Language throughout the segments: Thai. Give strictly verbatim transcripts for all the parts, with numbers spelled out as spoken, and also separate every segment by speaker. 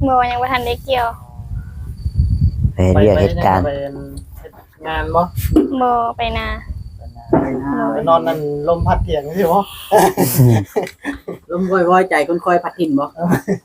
Speaker 1: บ่ยังบ่ทันได้เกี่ยว
Speaker 2: ไปเรียกเหตุการณ์
Speaker 3: ไปงานบ่
Speaker 1: บ่ไปนา
Speaker 3: ไปนอนนั่นลมพัดเถียงสิบ่
Speaker 4: ลมว่อยๆใจคนคอยพัดถิ่นบ่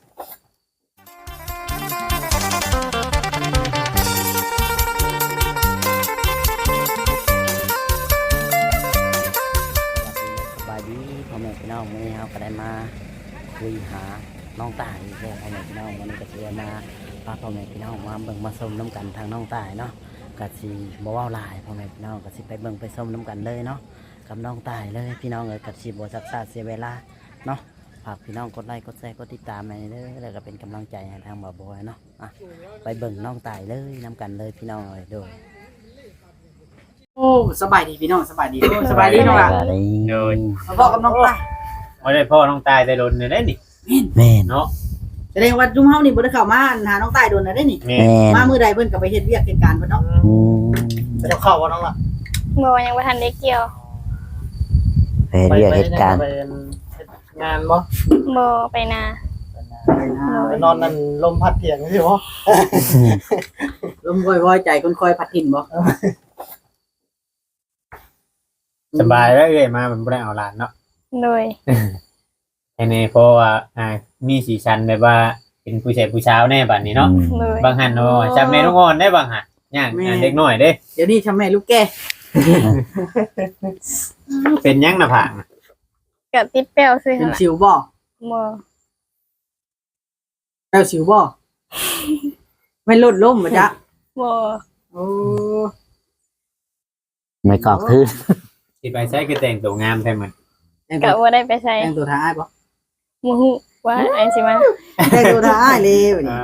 Speaker 2: สบายดีพ่อแม่พี่น้องมื้อนี้เฮาก็ได้มาคุยหาน้องตายอีกแล้วพ่อแม่พี่น้องวันนี้ก็สิได้มาพาพ่อแม่พี่น้องมาเบิ่งมาชมน้ำกันทางน้องตายเนาะก็สิบ่เว้าหลายพ่อแม่พี่น้องก็สิไปเบิ่งไปชมน้ำกันเลยเนาะกับน้องตายเลยพี่น้องเอ้ยก็สิบ่ซักษาเสียเวลาเนาะฝากพี่น้องกดไลค์กดแชร์กดติดตามให้เด้อแล้วก็เป็นกำลังใจให้ทางบ่าวบอยเนาะอ่ะไปเบิ่งน้องตายเลยน้ำกันเลยพี่น้องเอ้ยโดย
Speaker 4: โอ้สบายดีพี่น้องสบายดีโอ้สบายดีน้องล่ะ
Speaker 2: โดย
Speaker 4: มาพ่อกับน้องตาย
Speaker 5: บ่ได้พ่อน้องตายได้โดนได้นี่
Speaker 2: แม่น
Speaker 5: เนาะ
Speaker 4: แสดงว่าจุ่มเฮานี่บ่ได้เข้ามาหาน้องตายโดนได้นี่
Speaker 2: แม่น
Speaker 4: มามื้อใดเพิ่นก็ไปเฮ็ดเวียกเหตุการณ์เพิ่นเนาะ
Speaker 2: อืม
Speaker 3: ไปเข้าว่าน้องล่ะ
Speaker 1: บ่ยังบ่ทันได้เกี่ยว
Speaker 2: ไปเรียกเหตุการณ์
Speaker 3: ไปงานบ่
Speaker 1: บ่ไปนา
Speaker 3: ไปนอนนั่นลมพัดเถียงสิบ่
Speaker 4: ลมว่อยๆใจคนคอยพัดถิ่นบ่
Speaker 5: สบายแล้วเอ้ยมามันบ่ได้เอาหลานเนาะ
Speaker 1: โดย
Speaker 5: แค่นี้เพราะว่าอ่ามีสีสันแบบว่าเป็นผู้ชายผู้สาวแน่บัดนี้เนาะบางหันเนาะจำแม่ลูกอ่อนได้บางหันย่างเด็กน้อยเด้
Speaker 4: เดี๋ยวนี้ชำแม่ลูกแก่
Speaker 5: เป็นยังหน้าผาก
Speaker 1: ก็ติดแป้วซื่อ
Speaker 4: เป็น
Speaker 1: หั่นล่ะ
Speaker 4: สิวบ่
Speaker 1: บ่
Speaker 4: แป้วสิวบ่ไม่ลดล้มบ่จ๊ะ
Speaker 1: บ่
Speaker 4: โอ้
Speaker 2: ไม่กอกคือ
Speaker 5: สิไปใช้คือแต่งตัวงามแท้มัน
Speaker 1: ก็บ่ได้ไปใส่
Speaker 4: แต่งตัวทาอ้ายบ่
Speaker 1: บ่ฮู้ว่าอันสิมา
Speaker 4: แต่งตัวทาอ้ายเลยบัดนี้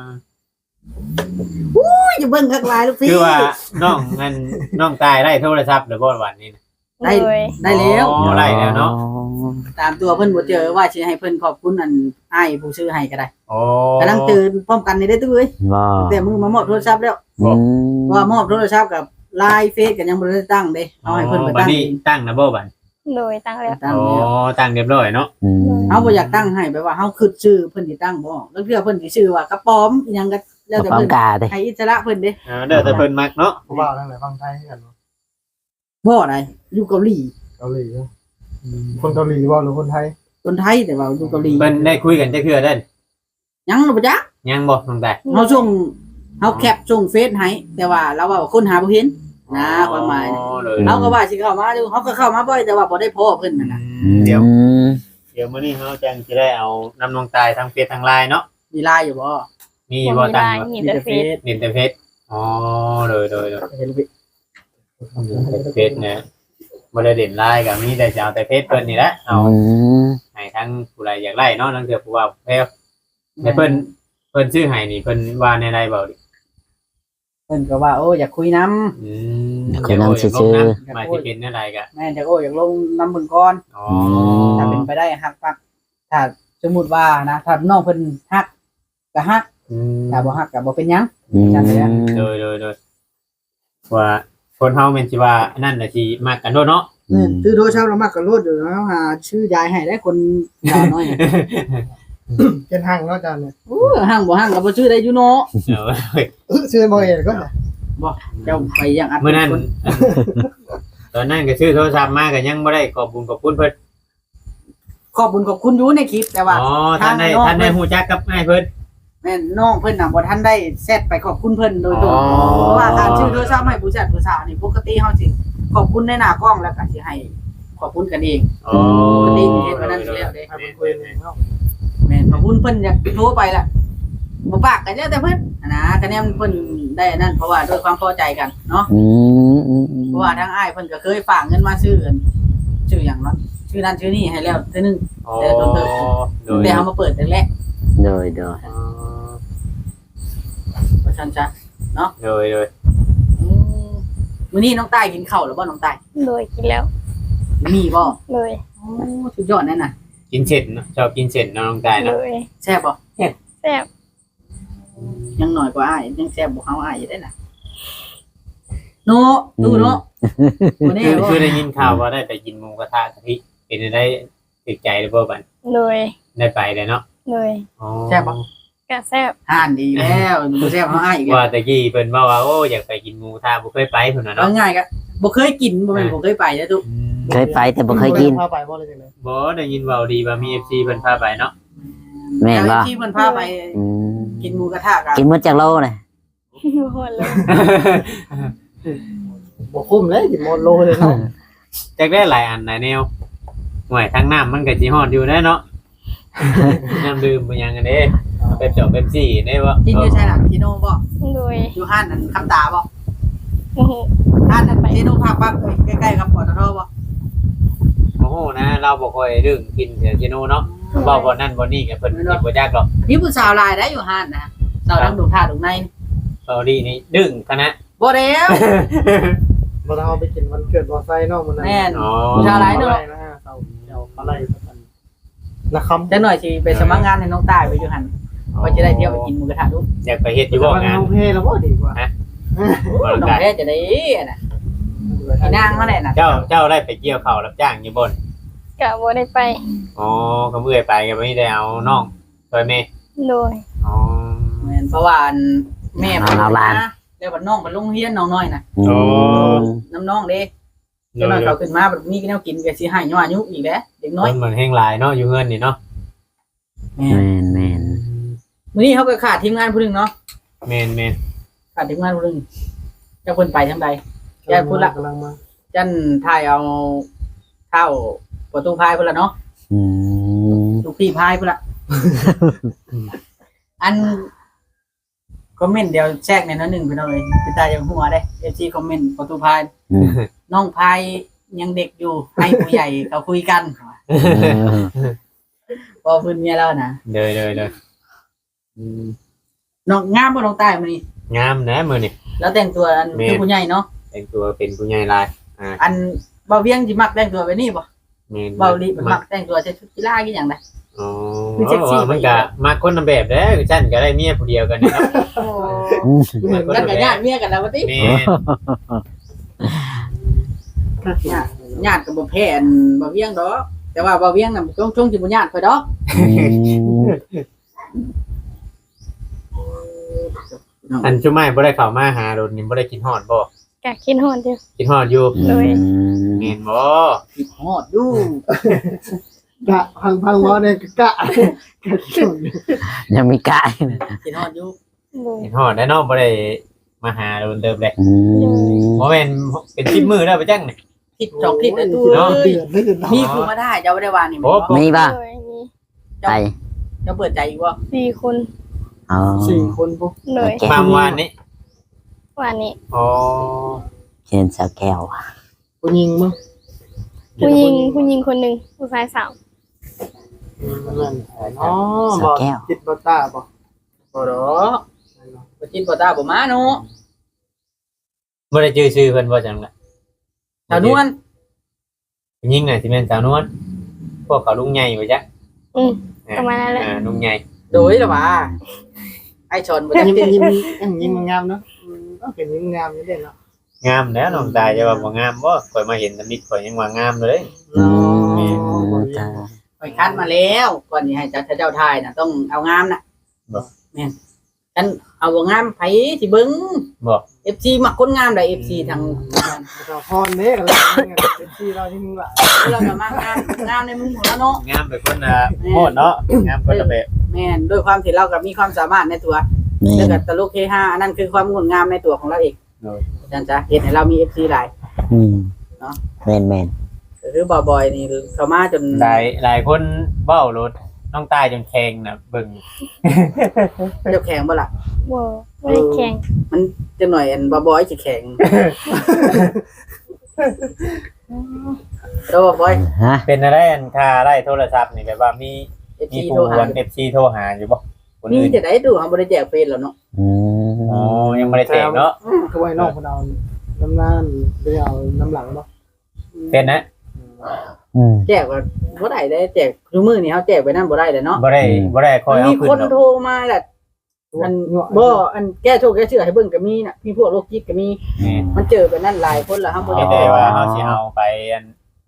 Speaker 4: อุ้ยจะเบิ่งคักหลายลูกพี่
Speaker 5: คือว่าน้องงั้นน้องตายได้โทรศัพท์หรือบ่วันนี้
Speaker 4: ได้ได้แล้ว
Speaker 5: อ๋อได้แล้วเนาะ
Speaker 4: ตามตัวเพิ่นบ่เจอว่าสิให้เพิ่นขอบคุณอันอ้ายผู้ซื้อให้ก็ได้
Speaker 5: อ๋อ
Speaker 4: กำลังตื่นพร้อมกันนี่ได้ตุ้ยแต่มือมามอบโทรศัพท์แล้วว่ามอบโทรศัพท์กับไลน์เฟซก็ยังบ่ได้ตั้งเด้เอาให้เพิ่นไปตั้ง
Speaker 5: นี่ตั้งนะบ่บัด
Speaker 1: โดยตั้งแล้ว
Speaker 5: อ๋อตั้งเรียบร้อยเนาะ
Speaker 4: เฮาบ่อยากตั้งให้แบบว่าเฮาคิดชื่อเพิ่นสิตั้งบ่แล้วเทื่อเพิ่นสิชื่อว่ากระป๋อมอีหยังก็แล้วแต่เพิ่นให้อิสระเพิ่นเด้
Speaker 5: เออเด้อแต่เพิ่นมักเนาะ
Speaker 3: ผู้บ่าวทั้งหลายฟังไทยกัน
Speaker 4: บ่ได้อยู่เกาหลี
Speaker 3: เกาหลีคนเกาหลีบ่หรือคนไทย
Speaker 4: คนไทยแต่ว่าอยู่เกาหลี
Speaker 5: เพิ่นได้คุยกันจักเทื่อเด้
Speaker 4: ยังบ่จ๊ะ
Speaker 5: ยังบ่น้องตาย
Speaker 4: เฮาส่งเฮาแคปส่งเฟซให้แต่ว่าเราว่าคนหาบ่เห็นนะความหมายเฮาก็ว่าสิเข้ามาอยู่เฮาก็เข้ามาบ่อยแต่ว่าบ่ได้พ้อเพิ่นนั่นน่ะ
Speaker 5: เดี๋ยวเดี๋ยวมื้อนี้เฮาจังสิได้เอานำน้องตายทางเฟซทาง ไลน์ เนาะ
Speaker 4: มี ไลน์ อยู่บ่
Speaker 5: มีบ่ตั้ง
Speaker 1: มีแต่เฟซ
Speaker 5: มีแต่เฟซอ๋อโดยๆๆเฟซเนี่ยบ่ได้เล่น ไลน์ ก็มีแต่จะเอาแต่เฟซเพิ่นนี่แหละเอาให้ทั้งผู้ใดอยากไล่เนาะทั้งเทื่อผู้ว่าแพ้ให้เพิ่นเพิ่นซื้อให้นี่เพิ่นว่าในไลน์บ่ดิ
Speaker 4: เพิ่นก็ว่าโอ้อยากคุยนำ
Speaker 5: อืมคุยนำซื่อๆมาสิเป็นอะไรก็
Speaker 4: แม่นจักโอ้อยากลงนำเบิ่งก่อน
Speaker 5: อ๋อ
Speaker 4: ถ้าเป็นไปได้ฮักปักถ้าสมมุติว่านะถ้าน้องเพิ่นฮักก็ฮัก
Speaker 5: อืม
Speaker 4: ถ้าบ่ฮักก็บ่เป็นหยัง
Speaker 2: จังได๋
Speaker 5: โดยๆๆว่าคนเฮาแม่นสิว่านั่นน่ะสิมักกันโดเนาะ
Speaker 4: อืมถือโทรศัพท์แล้วมักก็โลดอยู่แล้วหาชื่อยายให้ได้คนยาวน้อย
Speaker 3: เป็นห้างเนาะจานเนี่ย
Speaker 4: โอ้ห้างบ่ห้างก็บ่ชื่อได้อยู่เนาะ
Speaker 3: เออชื่อบ่เห็นก็
Speaker 4: บ่เจ้าไปยังอัด
Speaker 5: มื้อนั้นตอนนั้นก็ซื้อโทรศัพท์มาก็ยังบ่ได้ขอบคุณขอบคุณเพิ่น
Speaker 4: ขอบคุณขอบคุณอยู่ในคลิปแต่ว่า
Speaker 5: อ๋อท่านได้ท่านได้ฮู้จักกับอ้ายเพิ่น
Speaker 4: แม่นน้องเพิ่นน่ะบ่ทันได้แชทไปขอบคุณเพิ่นโดยตรงเพราะว่าการชื่อโทรศัพท์ให้ผู้แชทผู้สาวนี่ปกติเฮาสิขอบคุณในหน้ากล้องแล้วก็สิให้ขอบคุณกันเอง
Speaker 5: อ๋อ
Speaker 4: ปกติเฮ็ดมานั้นแล้วเด้ครับคุยเนาะแม่นขอบคุณเพิ่นอยากโทรไปล่ะบ่ปากกันแล้วแต่เพิ่นนะคะแนนเพิ่นได้นั่นเพราะว่าด้วยความพอใจกันเนาะ
Speaker 2: อืม
Speaker 4: เพราะว่าทางอ้ายเพิ่นก็เคยฝากเงินมาซื้อกันชื่อหยังเนาะชื่อนั้นชื่อนี้ให้แล้วเทื่อนึงแต่ต้นเติบแต่เฮามาเปิดแต่แรก
Speaker 2: โดยๆ
Speaker 4: อ๋อว่าซั่นจ้ะเนาะ
Speaker 5: โดยๆ
Speaker 4: อืมมื้อนี้น้องตายกินข้าวแล้วบ่น้องตาย
Speaker 1: โดยกินแล้ว
Speaker 4: มีบ่
Speaker 1: โดย
Speaker 4: โอ้สุดยอดแน่น่ะ
Speaker 5: กินเสร็จเนาะชอบกินเสร็จเนาะน้องตายเนาะ
Speaker 4: แซ่บบ่
Speaker 1: แซ่บแซ่บ
Speaker 4: ยังน้อยกว่าอ้ายยังแซ่บบ่เฮาอ้ายอยู่ได้น่ะโนดูเนาะ
Speaker 5: มื้อนี้คือได้ยินข่าวว่าได้ไปกินหมูกระทะกะทิเป็นได้ติดใจหรือบ่บัด
Speaker 1: โดย
Speaker 5: ได้ไปเลยเนาะ
Speaker 1: โดย
Speaker 5: อ๋อ
Speaker 4: แซ่บบ่
Speaker 1: กะแซ่บ
Speaker 4: ห่านดีแล้วบ่แซ่บเฮาอ้ายอีก
Speaker 5: ว่าตะกี้เพิ่นว่าว่าโอ้อยากไปกินหมูทาบ่เคยไปพุ่นน่ะ
Speaker 4: เอา
Speaker 5: เนาะ
Speaker 4: ง่ายก็บ่เคยกินบ่แม่นบ่เคยไปเด้อตุ
Speaker 5: อืม
Speaker 2: เคยไปแต่บ่เคยกิน
Speaker 3: พาไปบ่เลยจังได๋
Speaker 5: บ่ได้ยินเว้าดีว่ามี เอฟ ซี เพิ่นพาไปเนาะ
Speaker 2: แม่นบ่
Speaker 4: ที่เพิ่นพาไป
Speaker 2: อืม
Speaker 4: กินหมูกระทะกัน
Speaker 2: กินหมดจากโลเลย
Speaker 1: หมดเลย
Speaker 3: บ่คุ้มเลยกินหมดโลเลยเนาะ
Speaker 5: จักได้หลายอันหลายแนวห่วยทางน้ำมันก็สิฮอดอยู่ได้เนาะ น้ำดื่มบ่หยังกันเด้เป๊ปซี่เป๊ปซี่ได้บ่
Speaker 4: กินอยู่ใช่ล่ะพี่โนบ่
Speaker 1: โดย
Speaker 4: อยู่ห้านนั่นคำตาบ่
Speaker 1: โอ้โห
Speaker 4: ห้านนั่นพี่โนภาคปั๊บใกล้ๆกับปตทบ่
Speaker 5: โอ้โหนะเราบ่ค่อยเรื่องกินเสียจิโนเนาะเว้าบ่นั่นบ่นี่ก็เพิ่นกินบ่ยากหรอก
Speaker 4: มีผู้สาวหลายได้อยู่ห้านนะสาวดังดงท่าดงใน
Speaker 5: เว้าดีนี่ดึงคณะ
Speaker 4: บ่แล้ว
Speaker 3: บ่ได้เอาไปกินวันเกิดบ่ไซเนาะมื้อนั้น
Speaker 4: แม่น
Speaker 5: อ๋อ
Speaker 4: ผู้ชายหลายเนาะ
Speaker 3: นะฮะเจ้าเจ้าอะไรกันนะคำ
Speaker 4: จักหน่อยสิไปสมัครงานให้น้องตายไปอยู่หั่นว่าจะได้เที่ยวไปกินหมูกระทะดู
Speaker 5: อยากไปเฮ็ดอยู่บ่งาน
Speaker 3: โอเคแล้วบ่ดีกว่า
Speaker 5: บ่
Speaker 4: น้อง
Speaker 5: ได้
Speaker 4: แท้จะได้น่ะพี่นางมาแน่น่ะ
Speaker 5: เจ้าเจ้าได้ไปเกี่ยวข้าวรับจ้างอยู่บ่น
Speaker 1: กะบ่ได้ไป
Speaker 5: อ๋อก็เมื่อยไปก็ไม่ได้เอาน้องช่วยแม่
Speaker 1: โดย
Speaker 5: อ๋อ
Speaker 4: แม่นเพราะว่าแม่เพิ่นนะแล้วบัดน้องบัดลงเรียนน้องน้อยน่ะ
Speaker 2: อืม
Speaker 4: น้ำน้องเด้เจ้าน้อยเขาขึ้นมาแบบมีแนวกินก็สิให้ย้อนอายุอีกแล้วเด็กน้อย
Speaker 5: มันเหมือนแห้งหลายเนาะอยู่เฮือนนี่เนาะ
Speaker 4: แม่
Speaker 2: แม่นแม่น
Speaker 4: มื้อนี้เขาก็ขาดทีมงานผู้หนึงเนาะ
Speaker 5: แม่นแม่น
Speaker 4: ขาดทีมงานผู้หนึงเจ้าเพิ่นไปทางใด ยายพูดละ
Speaker 3: กำลังมา
Speaker 4: จันถ่ายเอาเข้าประตูพายพุ่นละเนาะ
Speaker 2: อืม
Speaker 4: ลูกพี่พายพุ่นละอันคอมเมนต์เดี๋ยวแทรกในนั้นหนึ่งไปหน่อยเป็นตาอย่างหัวได้เอฟซีคอมเมนต์ประตูพาย
Speaker 2: อืม
Speaker 4: น้องพายยังเด็กอยู่ให้ผู้ใหญ่เขาคุยกันพอพื้นเมียแล้วนะ
Speaker 5: เด้อเด้อเด้ออืม
Speaker 4: น้องงามบ่น้องตายมื้อนี้
Speaker 5: งามนะมื้อนี่
Speaker 4: แล้วแต่งตัวอัน
Speaker 5: แม่น
Speaker 4: คือผู้ใหญ่เนาะ
Speaker 5: แต่งตัวเป็นผู้ใหญ่หลายอ่า
Speaker 4: อันเบาเวียงสิมักแต่งตัวไปนี่บ่
Speaker 5: แม่น
Speaker 4: เบาลีมันมักแต่งตัวใส่ชุดกีฬากี่อย่างใด
Speaker 5: อ๋อ
Speaker 4: คือเซ็กซี่
Speaker 5: มันก็มาคนละแบบเด้อฉันก็ได้เมียผู้เดียวกันเนาะ
Speaker 2: อืม
Speaker 5: มาคน
Speaker 4: กัน
Speaker 5: ละ
Speaker 4: กับ
Speaker 5: แบ
Speaker 4: ญา
Speaker 5: บ
Speaker 4: ติเมียกันแล้วว่าติ
Speaker 5: แม่น
Speaker 4: ญาติญาติกับบ่แพ้อันบ่เวียงดอกแต่ว่าบ่เวียงน่ะช่วงช่วงสิบ่ญาติค่อยดอก
Speaker 2: อืม
Speaker 5: อันจุไม้บ่ได้เข้ามาหาโดนนี่บ่ได้กินฮอดบ่
Speaker 1: กะกินหอนเดียว
Speaker 5: กินฮอดอยู่
Speaker 1: โดย
Speaker 5: แม่นบ่
Speaker 4: คิดฮอดอยู่
Speaker 3: กะพังพังบ่ได้กะกะกิน
Speaker 2: ยังมีกาย
Speaker 4: คิดฮอดอยู่
Speaker 1: โดย
Speaker 5: กินฮอดได้เนาะบ่ได้มาหาโดนเติมเลย
Speaker 2: อืม
Speaker 5: บ่แม่นเป็นสิบมื้อแล้วไปจังนี่
Speaker 4: คิดจอกคิดไอ้ตู้
Speaker 5: เนาะ
Speaker 4: เอ้ย
Speaker 3: เดือนได้เดือน
Speaker 4: มีผู้มาได้เจ้าบ่ได้ว่านี่
Speaker 5: โอ้
Speaker 4: แม่นบ่
Speaker 2: มีป่ะ
Speaker 1: โดยมี
Speaker 2: ไป
Speaker 4: เจ้าเปิดใจอีกบ่
Speaker 1: สี่คน
Speaker 2: อ๋อ
Speaker 3: สี่คนปุ๊บ
Speaker 1: โดย
Speaker 2: โอเค
Speaker 5: ความวานนี้
Speaker 1: วันนี้
Speaker 5: อ๋อ
Speaker 2: เช่นสาวแก้ว
Speaker 3: ผู้หญิงมั้ง
Speaker 1: ผู้หญิงผู้หญิงคนหนึ่งผู้ชายสาม
Speaker 3: นั่นอ๋อ
Speaker 2: สา
Speaker 3: บ่
Speaker 2: วแก้ว
Speaker 3: จิตบ่ตาบ่
Speaker 4: บ่ดอกบ่จินบ่ตาบ่มาเนาะ
Speaker 5: บ่ได้ชื่อชื่อเพิ่นบ่จังล่ะ
Speaker 4: สาวนวล
Speaker 5: ยิงน่ะสิแม่นสาวนวลพวกเขาลุงใหญ่บ่จ๊ะ
Speaker 1: อืมประมาณนั้นแหละ
Speaker 5: อ่าลุงใหญ่
Speaker 4: โดยล่ะว่าไอ้ชนบ่ได้
Speaker 3: ยิ้ม
Speaker 4: ติด
Speaker 3: ยิ้มยิ้มยิ้มงามเนาะก็เป็นยิ้มงามนี่เด่นเนาะ
Speaker 5: งามแล้วน้องตายจะว่าบ่งามบ่ข่อยมาเห็นตำนิดข่อยยังว่างามเลย
Speaker 2: อืมจ้า
Speaker 4: ไปคัดมาแล้วก่อนสิให้เจ้าเจ้าทายน่ะต้องเอางามน่ะ
Speaker 5: บ่
Speaker 4: แม่นฉันเอาบ่งามไผสิเบิ่ง
Speaker 5: บ่
Speaker 4: เอฟซีมักคนงามได้ เอฟ ซี ทาง
Speaker 3: เราพรเด้กันแล้วเป็นที่เราที่มึงละ
Speaker 4: เราก็มากงามงามในมุมของเราเนาะ
Speaker 5: งามเป็นคนน่ะโหดเนาะงามคนละแบบ
Speaker 4: แม่นด้วยความที่เราก็มีความสามารถในตัว
Speaker 2: แม่
Speaker 4: แล้ว
Speaker 2: น
Speaker 4: ก็ตลกเฮฮาอันนั้นคือความงดงามในตัวของเราเอง
Speaker 5: โดย
Speaker 4: อาจารย์จ๊ะเห็นให้เรามี เอฟ ซี หลาย
Speaker 2: อืม
Speaker 4: เนาะ
Speaker 2: แม่นแม่น
Speaker 4: ก็คือบ่อยๆนี่เขามาจน
Speaker 5: หลายหลายคนเว้ารถน้องตายจนแข็งน่ะเบิ่ง
Speaker 4: เจ้าแข็งบ่ล่ะ
Speaker 1: บ่ไม่ได้แข่ง
Speaker 4: มันจังหน่อยอันบ่อยๆสิแข็งแล้วบ่อย
Speaker 2: ฮะ
Speaker 5: เป็นอะไรอันค่าได้โทรศัพท์นี่แบบว่ามี
Speaker 4: เอฟ
Speaker 5: มี
Speaker 4: ซี
Speaker 5: ผู้
Speaker 4: โทรหา
Speaker 5: วน เอฟ ซี โทรหาอยู่บ่คน
Speaker 4: นี่
Speaker 5: อื่น
Speaker 4: จะได้ดูเฮาบ่ได้แจกเฟซแล้วเนาะ
Speaker 2: อืม
Speaker 5: อ๋อยังบ่ได้แจกเนาะ
Speaker 3: คือไว้นอกคนเอาน้ำหน้าไปเอาน้ำหลังเนาะ
Speaker 5: เป็นนะ
Speaker 2: อืม
Speaker 4: แจกว่าบ่ได้ได้แจกทุกมื้อนี่เฮาแจกไปนั่นบ่ได้เลยเนาะ
Speaker 5: บ่ได้บ่ได้คอยเอา
Speaker 4: มี
Speaker 5: ขึ้น
Speaker 4: คน
Speaker 5: เนาะ
Speaker 4: โทรมาแหละอันบ่อันแก้โชคแก้เชื่อให้เบิ่งก็มีน่ะมีพวกโรคจิตก็มี
Speaker 5: แม่น
Speaker 4: มันเจอไปนั่นหลายคนแล้วเฮาบ่
Speaker 5: ไม่
Speaker 4: ได้
Speaker 5: ได้ว่าเฮาสิเอาไปอัน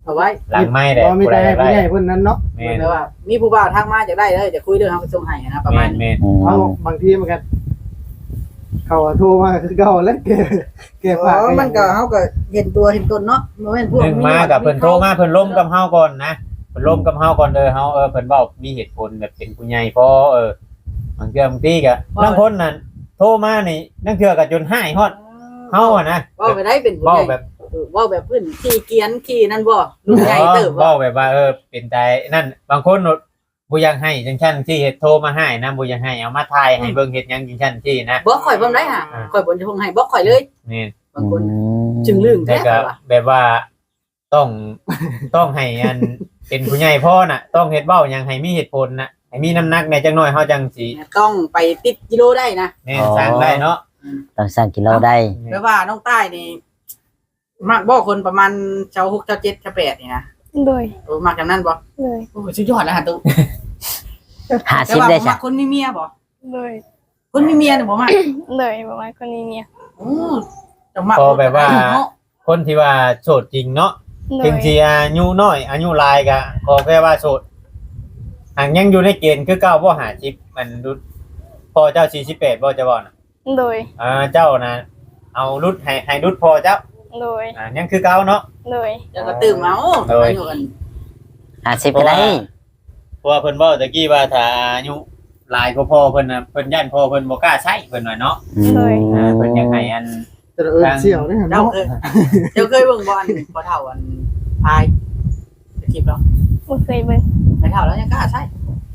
Speaker 4: เอาไว้
Speaker 5: หลังไม้ได้
Speaker 3: บ่มี
Speaker 5: ผู้
Speaker 3: แต่
Speaker 5: ใดอ
Speaker 3: ให้
Speaker 5: ยาก
Speaker 3: ผู้
Speaker 5: ได้
Speaker 3: ใหญ่เพิ่นนั้นเนาะ
Speaker 5: แม่น
Speaker 4: แปลว่ามีผู้บ่าวทักมาจากได้เลยจะคุยเรื่องเขาไปส่งให้นะประมา
Speaker 5: แม่
Speaker 4: ณ
Speaker 5: นแม่น
Speaker 2: อืม
Speaker 3: เอาบางทีมันก็เขาโทรมาคือเก่าแล้วแกแกฝาก
Speaker 4: อ๋อมันก็เฮาก็เห็นตัวเห็นตนเนาะบ่แม่นพวก
Speaker 5: หนึ่งมากับเพิ่นโทรมาเพิ่นล้มกับเฮาก่อนนะเพิ่นล้มกับเฮาก่อนเด้อเฮาเออเพิ่นเว้ามีเหตุผลแบบเป็นผู้ใหญ่พอเออบางเทื่อบางทีก็บางคนนั่นโทรมานี่นั่นเทื่อก็จนหายฮอดเฮาอ่ะนะ
Speaker 4: เว้าไปได้เป็นผู้
Speaker 5: เว้า
Speaker 4: ใหญ่
Speaker 5: แบบ
Speaker 4: เออเว้าแบบเพิ่นขี้เกียจขี้นั่นบ่รุ่นใหญ่เติบบ่
Speaker 5: เว้าแบบว่าเออเป็นใจนั่นบางคนบ่อยากให้จังซั่นที่เฮ็ดโทรมาให้นะบ่อยากให้เอามาถ่ายให้เบิ่งเฮ็ดหยังจังซั่นที่นะ
Speaker 4: บ่ข่อยบ่ได้ห่าข่อยบ่จะพงให้บ่ข่อยเลย
Speaker 5: นี่
Speaker 4: บางคนจึงลืม
Speaker 5: แต่
Speaker 4: แท้
Speaker 5: ก็
Speaker 4: ว่ะ
Speaker 5: แบบว่าต้องต้องให้อันเป็นผู้ใหญ่พ่อน่ะ ต้องเฮ็ดเว้าหยังให้มีเหตุผลน่ะให้มีน้ำหนักในจังน้อยเฮาจังสิ
Speaker 4: ต้องไปติดกิโลได้นะ
Speaker 5: แม่นสร้างได้เนาะ
Speaker 2: ต้องสร้างกิโลได้
Speaker 4: แปลว่าน้องใต้นี่มักบ่คนประมาณชาวหกชาวเจ็ดชาวแปดนี่นะ
Speaker 1: โดย
Speaker 4: โอ้มักจังนั้นบ่
Speaker 1: โดย
Speaker 4: โอ้สุดยอดแล้วฮะตุ๊
Speaker 2: ห้า
Speaker 4: แต่
Speaker 2: สิบ
Speaker 4: ว่า
Speaker 2: ได้
Speaker 4: บ่
Speaker 2: จ้ะ
Speaker 4: มักคนมีเมียบ่
Speaker 1: โดย
Speaker 4: คนมีเมียนี่บ่มัก
Speaker 1: โดยประมาณคนนี้เนี่ย
Speaker 4: โอ้จะมัก
Speaker 5: พอแบบว่า
Speaker 4: เนาะ
Speaker 5: คนที่ว่าโสดจริงเนาะ
Speaker 1: โด
Speaker 5: ถึง
Speaker 1: ย
Speaker 5: สิอายุน้อยอายุหลายก็ขอแค่ว่าโสดหากยังอยู่ในเกณฑ์คือเก่าบ่หาชิปมันรุดพอเจ้าสี่สิบแปดบ่จะบ่น่ะ
Speaker 1: โดย
Speaker 5: อ่าเจ้าน่ะเอารุดให้ให้รุดพอเจ้า
Speaker 1: โดย
Speaker 5: อ่ายังคือเก่าเนาะ
Speaker 1: โดย
Speaker 4: จะก็ตื่มเอา
Speaker 5: โดย
Speaker 4: อายุกัน
Speaker 2: ห้าสิบก็ได้
Speaker 5: เพราะว่าเพิ่นเว้าตะกี้ว่าถ้าอายุหลายกว่าพ่อเพิ่นน่ะเพิ่นย่านพ่อเพิ่นบ่กล้าใช้เพิ่นว่าเนาะ
Speaker 2: อืม
Speaker 5: อ่าเพิ่นอยากให้อัน
Speaker 3: แต่เออเสี่ยวนี่
Speaker 4: เจ้า
Speaker 3: เนาะ
Speaker 4: เคยเจ้าเคยเบิ่งบ่อันพอเฒ่าอันพายจะคลิปแล้ว
Speaker 1: บ่เคยเบิ่ง
Speaker 4: ไม่เฒ่าแล้วยังกล้าใช้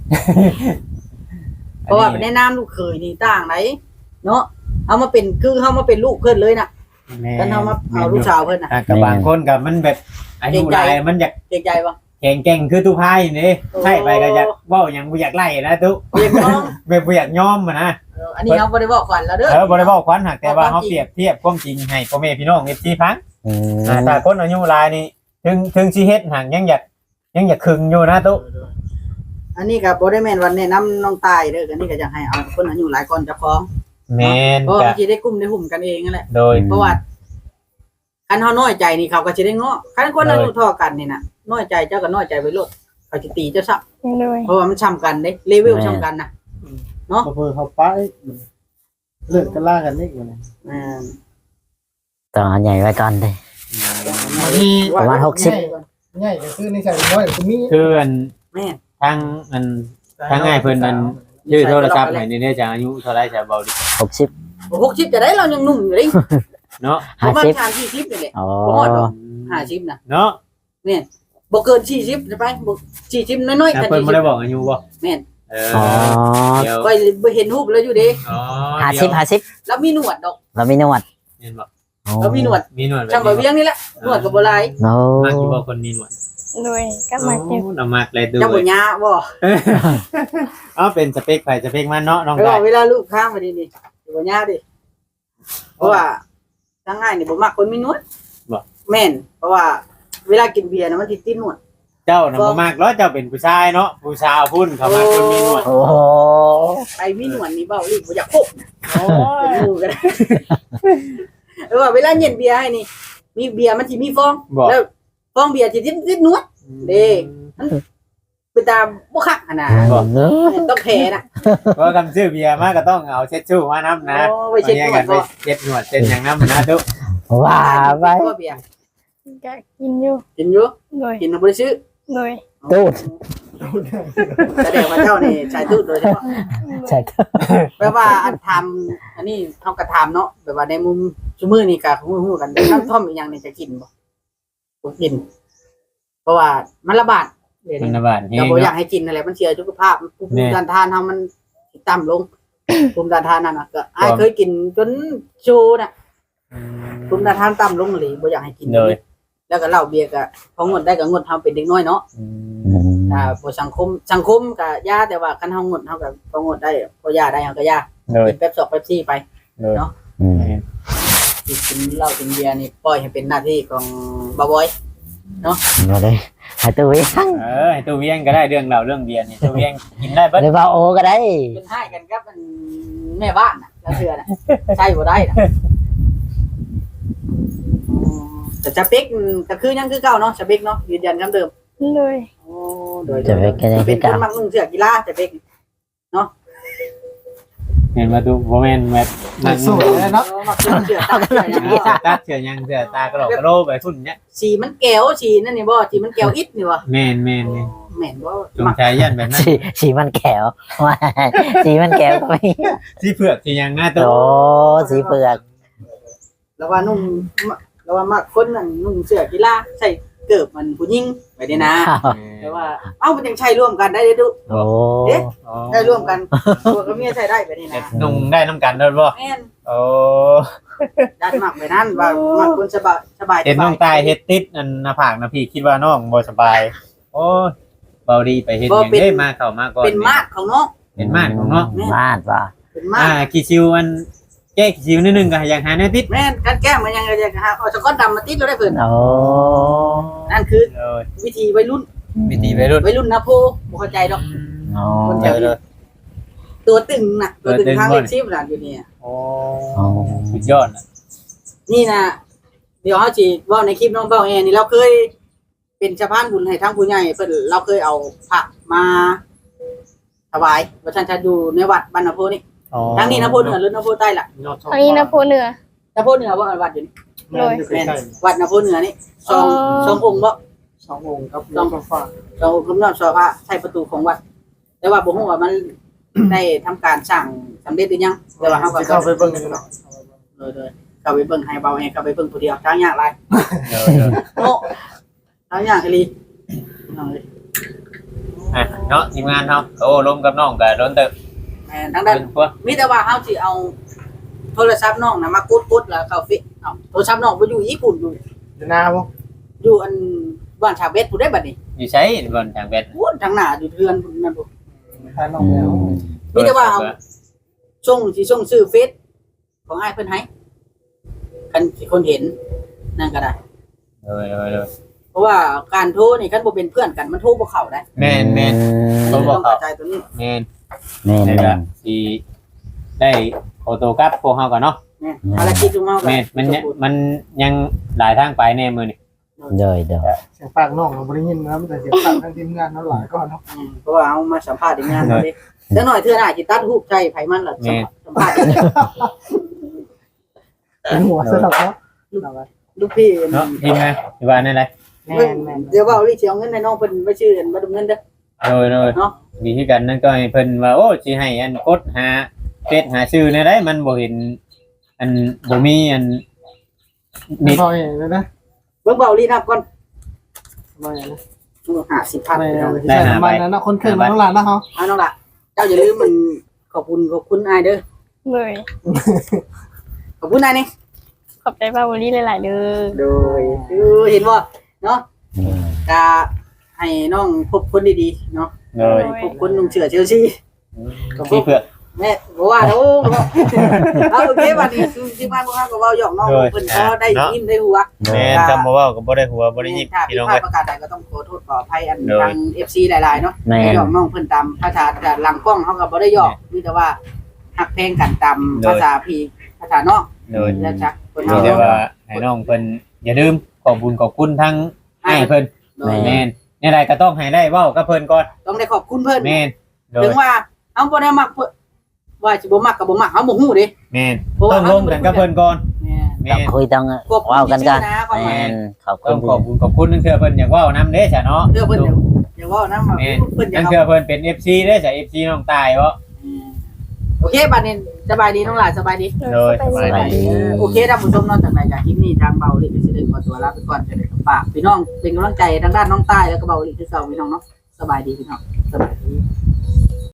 Speaker 4: เพราะว่าในนามลูกเขยนี่ต่างไหนเนาะเอามาเป็นคือเฮามาเป็นลูกเพิ่นเลยน่ะ
Speaker 5: แม่
Speaker 4: กันเฮามาเอาลูกสาวเพิ่นน่ะ
Speaker 5: อ่ะกับบางคนก็มันแบบอายุหลายมันอยาก
Speaker 4: เกรงใจบ่
Speaker 5: แข็งแกร่งคือตู้พายนี่
Speaker 4: โอ้
Speaker 5: ใช่ไปก็อยากเว้าหยังบ่อยากไล่นะตู้
Speaker 4: เรียกน้อง
Speaker 5: แบบบ่อยากยอมอะนะ
Speaker 4: เอออันนี้เฮาบ่ได้บอกก่อนแล้วเด้อ
Speaker 5: เออบ่ได้เว้าควันหักแต่ว่าเฮาเปรียบเทียบความจริงให้พ่อแม่พี่น้อง เอฟ ซี ฟัง
Speaker 2: อืม
Speaker 5: อ่าถ้าคนอายุหลายนี่ถึงถึงสิเฮ็ดหักยังอยากยังอยากขึงอยู่นะตู้
Speaker 4: อันนี้ก็บ่ได้แม่นวันแนะนำน้องตายเด้ออันนี้ก็อยากให้เอาคนอายุหลายก่อนเจ้าของ
Speaker 5: แม่น
Speaker 4: เพราะ
Speaker 5: ก็
Speaker 4: ว่าสิได้กลุ่มได้หุ่มกันเองนั่นแหละ
Speaker 5: โดย
Speaker 4: เพราะว่าคันเฮาน้อยใจนี่เขาก็สิได้ง้อคันคนอายุเท่ากันนี่น่ะน้อยใจเจ้าก็น้อยใจไว้โลดเขาสิตีเจ้าซะ
Speaker 1: โดย
Speaker 4: เพราะว่ามันซ้ำกันเด้เลเวลซ้ำกันน่ะ
Speaker 3: บ่เพิ่นเขาป้ายเลิกกันล่ากันนี่อยู่นี่
Speaker 4: อ่า
Speaker 2: ต้องเอาใหญ่ไว้ก่อนเลย
Speaker 3: บางที
Speaker 2: ประมาณหกสิบ
Speaker 3: ง่ายก็คือในใส่น้อยก็มี
Speaker 5: คืออัน
Speaker 4: แม่น
Speaker 5: ทางอันทางง่ายเพิ่นอันชื่อโทรศัพท์ให้นี่เนี่ยจะอายุเท่าไหร่จะเบาดิ
Speaker 2: หกสิบ
Speaker 4: หกสิบจะได้เรายังหนุ่มอยู่เด้
Speaker 5: เนาะ
Speaker 4: ประมาณ
Speaker 2: ห้าสิบ
Speaker 4: สามสี่สิบนี่แหละ
Speaker 2: อ๋อ
Speaker 4: บ่ฮอดดอกห้าสิบน่ะ
Speaker 5: เนาะ
Speaker 4: แม่นบ่เกินสี่สิบจะไปบ่สี่สิบน้อยๆ
Speaker 5: แต่
Speaker 4: กัน
Speaker 5: เพิ่นบ่ได้บอกอายุบ่
Speaker 4: แม่น
Speaker 5: เออ
Speaker 2: อ๋อ
Speaker 5: เดี๋ยว
Speaker 4: ก็บ่เห็นรูปแล้วอยู่เด้
Speaker 5: อ๋อ
Speaker 2: ห้าสิบห้าสิบ
Speaker 4: แล้วมีหนวดดอก
Speaker 2: เรามีหนวด
Speaker 5: เห็นบ่
Speaker 2: อ๋อ
Speaker 4: แล้วมีหนวด
Speaker 5: มีหนวดแบบ
Speaker 4: ช่างบ่เวียงนี่แหละหนวดก็บ่หลาย
Speaker 2: โน้
Speaker 5: มากอยู่บ่คนมีหนวด
Speaker 1: โดยก็มาเก็บ
Speaker 5: โอ้เอามากเลยดู
Speaker 4: เจ้าบ่ยาบ่
Speaker 5: เอ๋อเป็นสเปคไผสเปคมันเนาะน้อง
Speaker 4: เพราะ
Speaker 5: ได้
Speaker 4: ว่าเวลาลูกค้างมานี่นี่บ่ยาดิเพราะว่าทางง่ายนี่บ่มักคนมีหนวดแม่นเพราะว่าเวลากินเบียร์น่ะมันสิติดหนวด
Speaker 5: เจ้าน่ะบ่มากเนาะเจ้าเป็นผู้ชายเนาะผู้สาวพุ่นเขามาคนมีหนวด
Speaker 2: โอ้โห
Speaker 4: ไอ้มีหนวดนี่เบ้าอีกบ่อยากพบโอ้เป็นหมู่กันเออว่าเวลาเย็นเบียร์ให้นี่ มีเบียร์มันสิมีฟอง
Speaker 5: บอก
Speaker 4: แล้วฟองเบียร์สิติดติดหนวด เด้ เป็นตาบ่คักหั่นน่ะ
Speaker 5: บอก
Speaker 2: เนอะ
Speaker 4: ต้องแพ้น่ะ
Speaker 5: เพราะคำชื่อเบียร์มาก็ต้องเอาเช็ดชู่มานํนะ
Speaker 4: โอ้ไว้เช็ดหนวด
Speaker 5: ไป
Speaker 4: บ่
Speaker 5: เช็ดหนวดเช็ดหยังนํนะทุก
Speaker 2: ว่าไป
Speaker 4: บ่เบียร์
Speaker 1: ก็กินอยู่
Speaker 4: กินอยู่
Speaker 1: โดย
Speaker 4: กินบ่ได้ซื้อ
Speaker 1: โดย
Speaker 2: ตูด
Speaker 4: แสดงว่าเจ้านี่ใช้ตูดโดยเฉพาะ
Speaker 2: ใช่ครับ
Speaker 4: แปลว่าอันทำอันนี้เฮาก็ทำเนาะแบบว่าในมุมซุมื้อนี่ก็ฮู้ๆกันแต่น้ำท่อมอีกอย่างนี่จะกินบ่บ่กิน เพราะว่ามันระบาดเดี๋ยว
Speaker 5: มัน
Speaker 4: นี้
Speaker 5: ระบาดเฮ
Speaker 4: เรา
Speaker 5: ง
Speaker 4: บ่อยา
Speaker 5: เนาะ
Speaker 4: กให้กินอะไรมันเสียสุขภาพภู
Speaker 5: แน่
Speaker 4: มิต้านทานเฮามันต่ำลง ภูมิต้านทานนั่นน่ะก็อ้ายเคยกินจนโชน่ะภูมิต้านทานต่ำลงเลยบ่อยากให้กิน
Speaker 5: เลย
Speaker 4: แล้วก็เหล้าเบียร์ก็พองดได้ก็งดทำเป็นเด็กน้อยเนาะ
Speaker 2: อืม
Speaker 4: อ่าบ่สังคมสังคมก็ยาแต่ว่าคันเฮางดเฮาก็บ่งดได้บ่ยาได้เฮาก็ยา
Speaker 5: เลย
Speaker 4: กินเป๊ปซอกเป๊ปซี่ไป
Speaker 5: เลย
Speaker 2: อืม
Speaker 4: กินเหล้ากินเบียร์นี่ปล่อยให้เป็นหน้าที่ของบ่าวบอย
Speaker 2: มาเลยให้ตัวเอง
Speaker 5: เออให้ตัวเวียงก็ได้เรื่องเราเรื่องเบียร์นี่ตัวเวียงกินได้เบิด
Speaker 2: หรือว่าโอก็ได้
Speaker 4: เป็นให้กันกับมันแม่บ้านน่ะแล้วเทื่อน่ะใช่บ่ได้น่ะอ๋อแต่สเปคก็คือยังคือเก่าเนาะสเปคเนาะยืนยันคำเดิม
Speaker 1: เลย
Speaker 4: โอ้โดย
Speaker 2: จะเป็นกันยัง
Speaker 4: เป็น
Speaker 2: คือ
Speaker 4: ค
Speaker 2: เก่าน
Speaker 4: มักนุ่งเสื้อกีฬาสเปค
Speaker 5: เห็นมาดูบ่แม่นแบบ
Speaker 3: หนักสูตรเลยเนาะ
Speaker 4: มักนุ่งเสื้อตาเสื้อหยัง
Speaker 5: เสือตาเสือยังเสือตากระโหลกกระโหลกไปฝุ่นเนี้ย
Speaker 4: สีมันแก้วสีนั่นนี่บ่สีมันแก้วอิดนี่บ่
Speaker 5: แม่นแม่นแม่น
Speaker 4: แม่นบ่
Speaker 5: จงใจยันแบบนั้น
Speaker 2: สีสีมันแขวว่าสีมันแขวก็มี
Speaker 5: สีเผือกสียังหน้าตั
Speaker 2: โอ้
Speaker 5: ว
Speaker 2: สีเปลือก
Speaker 4: แล้วว่านุ่งแล้วว่ามักคนนั่นนุ่งเสื้อกีฬาใส่เกิบมันผู้หญิงไปนี่นะแต่ว่าเอ้ามันยังใช้ร่วมกันได้เด้อดุ
Speaker 2: โอ้
Speaker 4: ได้ร่วมกันตัวกับเมียใช้ได้ไปนี่
Speaker 5: เด็
Speaker 4: นะ
Speaker 5: ดนุ่งได้น้ำกันด้วยบ่
Speaker 4: แม่น
Speaker 5: โอ้
Speaker 4: ดันมักไปนั่นว่ามักคนสบายสบาย
Speaker 5: เห็นน้องตายเฮ็ดติดอันหน้าผากนะพี่คิดว่าน้องบ่สบาย โอ้ยเบาดีไปเฮ็ดหยังได้มาเข้ามาก่อน
Speaker 4: เป็นมาดของน้อง
Speaker 5: เป็นมาดของน้อง
Speaker 2: มาดว่ะ
Speaker 4: เป็นมา
Speaker 5: อ่า
Speaker 4: ด
Speaker 5: กี่ซิวอันแก้กี่ซิวนิดนึงก็ยังหาแนวติด
Speaker 4: แม่นกันแก้มมันยังจะหาเอาสก๊อตดำมาติดแล้วได้เพิ่น
Speaker 2: โอ้
Speaker 4: นั่นคือ
Speaker 5: เลย
Speaker 4: วิธีวัยรุ่น
Speaker 5: วิธีไปรุ่น
Speaker 4: วัยรุ่นนะโพบ่เข้าใจดอก
Speaker 2: โอ้
Speaker 5: เจอเลย
Speaker 4: ตัวตึงน่ะตัวตึง
Speaker 5: ตัวตึง
Speaker 4: ทาง
Speaker 5: บ่
Speaker 4: เล็
Speaker 5: น
Speaker 4: กชิปน่ะอยู่นี่
Speaker 5: โอ้สุดยอดนะ
Speaker 4: นี่น่ะเดี๋ยวเฮาสิเว้าในคลิปน้องเป้าแอนี่เราเคยเป็นสะพานบุญให้ทางผู้ใหญ่เพิ่นเราเคยเอาพระมาถวายว่าท่านจะอยู่ในวัดบ้านนาโพนี่
Speaker 5: อ๋อ
Speaker 4: ทางนี้นาโพเหนือหรือนาโพใต้ล่ะ
Speaker 1: ทางนี้นะโพเหนือ
Speaker 4: นาโพเหนือว่าวัดอยู่นี่
Speaker 3: แม่นอยู่ใก
Speaker 4: แม่น
Speaker 3: ล้
Speaker 4: วัดนาโพเหนือนี่สอง
Speaker 1: อ๋อ
Speaker 4: สององค์บ่
Speaker 3: ๆสององค์ครับสองฟ้า
Speaker 4: เรากำลังสอบพระใช้ประตูของวัด แต่ว่าบ่ฮู้ว่ามัน ได้ทำการสร้างสำเร็จหรือยังแต่ว่าเฮาก็
Speaker 3: สิเข้าไปเบิ่งอยู่เนาะ
Speaker 4: เลยๆเข้าไปเบิ่งให้เบาให้เข้าไปเบิ่งผู้เดียวทางยากหลาย
Speaker 5: เดี๋ยวเดี๋ยว
Speaker 4: โอ้ทางยากอีหลีน้องเอ้ย
Speaker 5: อ่ะเนาะทีมงานเนาะโอ้ล้มกับน้องกับโดนเติบ
Speaker 4: แม่นทางด้าน
Speaker 5: เป็นพวก
Speaker 4: มีแต่ว่าเฮาสิเอาโทรศัพท์น้องน่ะมากดๆแล้วเข้าฟิเอาโทรศัพท์น้องบ่อยู่ญี่ปุ่นอยู่
Speaker 3: อยู่หน้าบ่
Speaker 4: อยู่อันบ้านชาวเวทผู้ได้บัดนี้
Speaker 5: อยู่ใช้บนทางเบ็ด
Speaker 4: พูนทางหน้าอยู่เทือนพุ่นนั่นบ่
Speaker 3: ทานน้องแล้ว
Speaker 4: มีแต่ว่าเอาส่งสิส่งชื่อเฟซของอ้ายเพิ่นให้คันสิคนเห็นนั่นก็ได้
Speaker 5: เลยเลยเลย
Speaker 4: เพราะว่าการโทรนี่คันบ่เป็นเพื่อนกันมันโทรบ่เข้าได้
Speaker 5: แมนแมน
Speaker 4: ต้
Speaker 5: โทรบ่
Speaker 4: อง
Speaker 5: เข้า
Speaker 4: เข้าใจตัวนี้
Speaker 5: แมน
Speaker 2: แม่น
Speaker 5: แต่
Speaker 2: แม่
Speaker 5: ก็
Speaker 2: น
Speaker 5: สีได้โอโต้กลับพวกเฮาก่อนเนาะ
Speaker 4: แม่นภารกิจของเฮาก็
Speaker 5: แมนมันยังมันยังหลายทางไปแน่มือนี่
Speaker 2: เดยเดย
Speaker 3: เสียงปากน้องเราบ่ได้ยินนะมันแต่เสียงปากทางทีมงานเนาะหลายก่อนเนาะ
Speaker 4: อืมเพราะว่าเอามาสัมภาษณ์ในงานนี้เดี๋ยวหน่อยเทื่อหน้าสิตัดรูปใจไผมันล่ะสัมภาษณ์
Speaker 3: เป็นหัวสลับเนาะ
Speaker 4: ลูกพี่
Speaker 5: เนาะทีมงานอยู่บ้านนั่นแหละ
Speaker 3: แม่นแม่น
Speaker 4: เดี๋ยวว่าลิสิเอาเงินให้น้องเพิ่นไปชื่อมาดำเงินเด้อ
Speaker 5: โดยโดย
Speaker 4: เนาะ
Speaker 5: มีที่กันนั่นก็ให้เพิ่นว่าโอ้สิให้อันกดหาเฟซหาชื่อในได้มันบ่เห็นอันบ่มีอัน
Speaker 3: มี
Speaker 5: มี
Speaker 3: พอเองเลยนะ
Speaker 4: เบิ่งเบาลีนับก่อน
Speaker 3: มาอย่างนะ
Speaker 4: ห้าสิบพัน
Speaker 3: ไม่เอาใส่น้ำมันนะคนเคยมาทั้งร้านนะเขา
Speaker 4: เอาน้องล่ะเจ้าอย่าลืมมันขอบคุณขอบคุณอายเด้อ
Speaker 1: เลย
Speaker 4: ขอบคุณอายนี่
Speaker 1: ขอบใจป้าบุรีหลายๆเด้อ
Speaker 4: โดยคือเห็นบ่เนาะกะให้น้องพบคนดีๆเนาะ
Speaker 5: เลย
Speaker 4: พบคนนุ่งเสื้อเชลซี
Speaker 5: มีเพื่อ
Speaker 4: แม่บอกว่าโอ้เอาโอเควันนี้ที่บ้านพวกเราก็เว้าหยอกน้องเพิ่นก็ได้ยิ้มได้หัว
Speaker 5: แม่นจำบ่เว้าก็บ่ได้หัวบ่ได้ยิบ
Speaker 4: ถ้า
Speaker 5: พี่
Speaker 4: ผิด
Speaker 5: น้อง
Speaker 4: พลา
Speaker 5: เอ้
Speaker 4: ด
Speaker 5: ย
Speaker 4: ประการใดก็ต้องขอโทษขออภัยอัน
Speaker 5: โดย
Speaker 4: ทาง เอฟ ซี หลายๆเนาะ
Speaker 2: แม่
Speaker 4: ให้
Speaker 2: น
Speaker 4: หยอกน้องเพิ่นตามภาษาแต่หลังกล้องเฮาก็บ่ได้หยอกมีแต่ว่าฮักเพลงกันตามภาษาพี่ภาษานอก
Speaker 5: โดย
Speaker 4: แล้วจักคน
Speaker 5: มี
Speaker 4: เฮา
Speaker 5: แต่ว่าให้น้องเพิ่นอย่าลืมขอบคุญขอบคุณทั้งให้เพิ่น
Speaker 4: โดย
Speaker 5: แม่นในใดก็ต้องให้ได้เว้ากับเพิ่นก่อน
Speaker 4: ต้องได้ขอบคุณเพิ่น
Speaker 5: แม่นโด
Speaker 4: ถึ
Speaker 5: ย
Speaker 4: งว่าเฮาบ่ได้มักเพิ่นว่าสิบ่มักก็บ่มักเฮาบ่ฮู้เด้
Speaker 5: แม่นต้องลงกันกับเพิ่นก่อน
Speaker 4: แม่
Speaker 5: แม่
Speaker 2: ต้อง
Speaker 5: น
Speaker 2: คุยต้อง
Speaker 4: ขอบคุณ
Speaker 2: เว้ากันกัน
Speaker 4: ที่ชื่อนะความห
Speaker 2: แม่
Speaker 4: มาย
Speaker 2: นขอบคุ
Speaker 5: ต้อง
Speaker 2: ณ
Speaker 5: ขอบคุณขอบคุณนั่นคือเพิ่นอยากเว้านำเด้จ้ะเนาะ
Speaker 4: เด้อเพิ่นอย่าอย่าเว้านำว่า
Speaker 5: แม่น
Speaker 4: เพิ่นอยา
Speaker 5: นั่
Speaker 4: ก
Speaker 5: น
Speaker 4: เอา
Speaker 5: คือเพิ่นเป็น เอฟ ซี เด้จ้ะ เอฟ ซี น้องตายบ่
Speaker 4: โอเคบัดนี้สบายดีน้องหลานสบายดี
Speaker 5: โดยสบาย
Speaker 2: สวัสดี
Speaker 4: โอเคท่านผู้ชมนอกจากไหนจากคลิปนี้ทางเบาลิก็จะได้ขอตัวลาไปก่อนจะได้ฝากพี่น้องเป็นกำลังใจทางด้านน้องใต้แล้วก็เบาลิคือเก่าพี่น้องเนาะสบายดีพี่น้องสบายดี